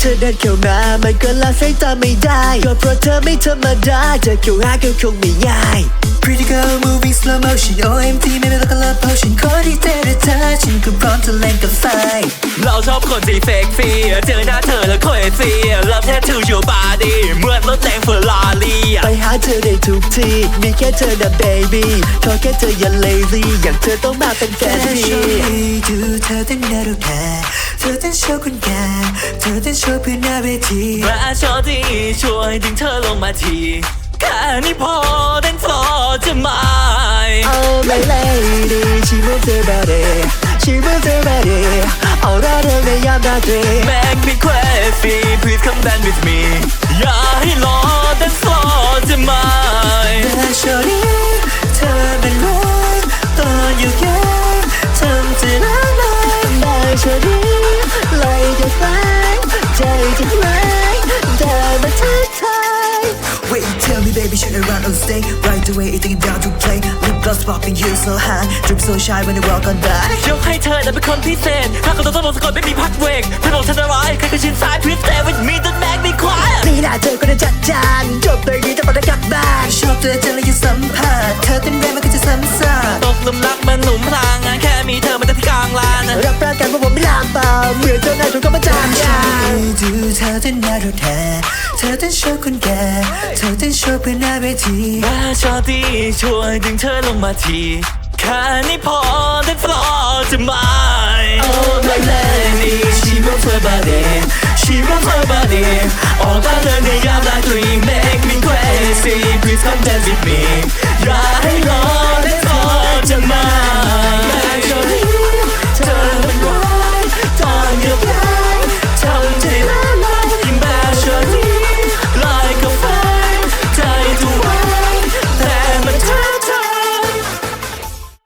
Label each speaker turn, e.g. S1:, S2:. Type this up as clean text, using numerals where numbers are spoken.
S1: ธอเดินเข้ามามันก็ละสายตาไม่ได้ก็เพราะเธอไม่ธรรมดาจะเข้าหาก็คงไม่ง่าย
S2: Pretty girl moving slow motion OMG ไม่เป็นแล้วก็ love potion ขอที่เจอเธอฉันก็พร้อมจะเล่นกับไฟ
S3: เราชอบคนที่เฟกฟีเจอหน้าเธอแล้วค่อยฟีLove tattoo your body เหมือนรถแรงเฟอร์รารี่
S1: ไปหาเธอได้ทุกที่มีแค่เธอนะ baby ขอแค่เธออย่า lazy อย่างเธอต้องมาเป็นแฟนพี่
S2: ดูเธอเต้นน่ารู้แค่เธอเต้นโชว์คนแก่เธอเต้นโชว์เพื่อนหน้าเวที
S3: มาชอที่ช่วยดึงเธอลงมาทีแค่นี้พอเต้นฟลอร์จะไม่
S1: Oh my lady she moves her body she moves her body เอาเราเธอในยามราตรี
S3: Make me crazy please come dance with me อย่าให้รอเต้นฟลอร์จะไม่
S2: แต่โชว์นี้เธอเป็นร้อยตอนอยู่แค่ทำจะน่ารัก
S1: แต่โชว์นี้ไหลจะแฝงใจจะไหลเธอมาทักทาย
S2: Wait tell me baby should I run on stage right away taking down to play lip gloss popping you so high drip so shy when I walk on by
S3: ยกให้เธอนั้นเป็นคนพิเศษถ้าเขาต้องลงสะกดไม่มีพักเวกถ้าบอกฉันจะร้ายใครก็ชินซ้าย please stay with me don't make me cry
S1: นี่น่าเธอก็ได้จัดจานจบเลยนี้จะมาได้กลับบ้าน
S2: ชอบเธอเจอแล้วยังสัมผัสเธอเต้นแรงมันก็จะซ้ำซาก
S3: ตกหลุมรักมันหลุมพรางแค่มีเธอมันจะที่กลางลาน
S1: รับประกันว่าผมไม่ลามเปล่าเหมือนเจ้านายถูกก็มาจามยา
S2: ดูเธอเต้นน่ารักแท้เธอเต้นโชว์คนแก่เธอเต้นโชว์เพื่อนหน้าเวที
S3: มาชอที่ช่วยดึงเธอลงมาทีแค่นี้พอเต้นฟลอร์จะไม่
S1: Oh my lady
S3: she moves her body she moves her body ออกมาเลยในยามราตรี make me crazy please come dance with me อย่าให้รอ